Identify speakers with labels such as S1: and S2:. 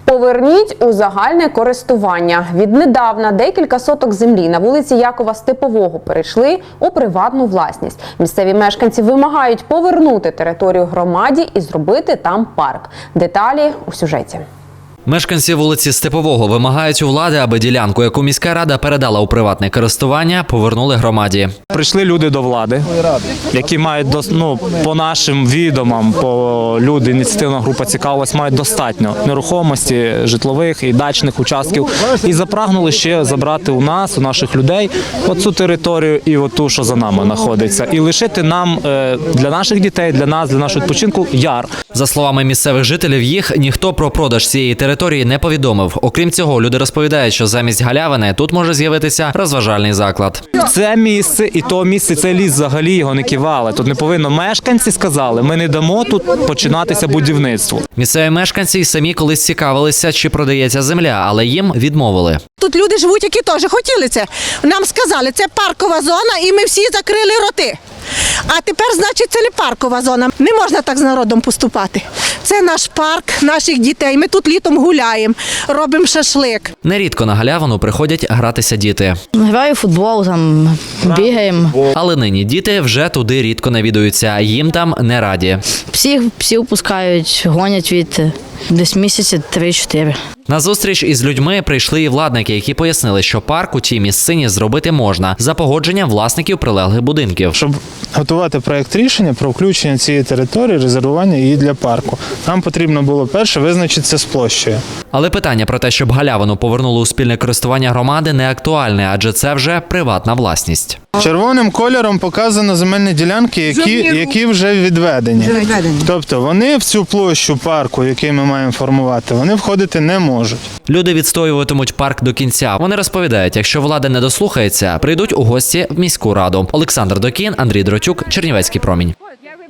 S1: Поверніть у загальне користування. Віднедавна декілька соток землі на вулиці Якова Степового перейшли у приватну власність. Місцеві мешканці вимагають повернути територію громаді і зробити там парк. Деталі у сюжеті.
S2: Мешканці вулиці Степового вимагають у влади, аби ділянку, яку міська рада передала у приватне користування, повернули громаді.
S3: Прийшли люди до влади, які мають, по нашим відомам, по люди, ініціативна група цікавилась, мають достатньо нерухомості, житлових і дачних участків. І запрагнули ще забрати у нас, у наших людей, оцю територію і оту, що за нами знаходиться. І лишити нам, для наших дітей, для нас, для нашого відпочинку, яр.
S2: За словами місцевих жителів, їх ніхто про продаж цієї території не повідомив. Окрім цього, люди розповідають, що замість галявини тут може з'явитися розважальний заклад.
S3: Це місце і то місце, цей ліс взагалі його не кивали. Тут не повинно. Мешканці сказали, ми не дамо тут починатися будівництво.
S2: Місцеві мешканці й самі колись цікавилися, чи продається земля, але їм відмовили.
S4: Тут люди живуть, які теж хотіли це. Нам сказали, це паркова зона, і ми всі закрили роти. А тепер, значить, це не паркова зона. Не можна так з народом поступати. Це наш парк, наших дітей. Ми тут літом гуляємо, робимо шашлик.
S2: Нерідко на галявину приходять гратися діти.
S5: Граю в футбол, там бігаємо.
S2: Але нині діти вже туди рідко навідуються, їм там не раді.
S5: Псів пускають, гонять від десь місяці 3-4.
S2: На зустріч із людьми прийшли і владники, які пояснили, що парк у тій місцині зробити можна за погодженням власників прилеглих будинків.
S6: Щоб готувати проєкт рішення про включення цієї території, резервування її для парку, нам потрібно було перше визначитися з площею.
S2: Але питання про те, щоб галявину повернули у спільне користування громади, не актуальне, адже це вже приватна власність.
S6: Червоним кольором показано земельні ділянки, які вже відведені. Тобто вони в цю площу парку, який ми маємо формувати, вони входити не можуть.
S2: Люди відстоюватимуть парк до кінця. Вони розповідають, якщо влада не дослухається, прийдуть у гості в міську раду. Олександр Докін, Андрій Дротюк, Чернівецький промінь.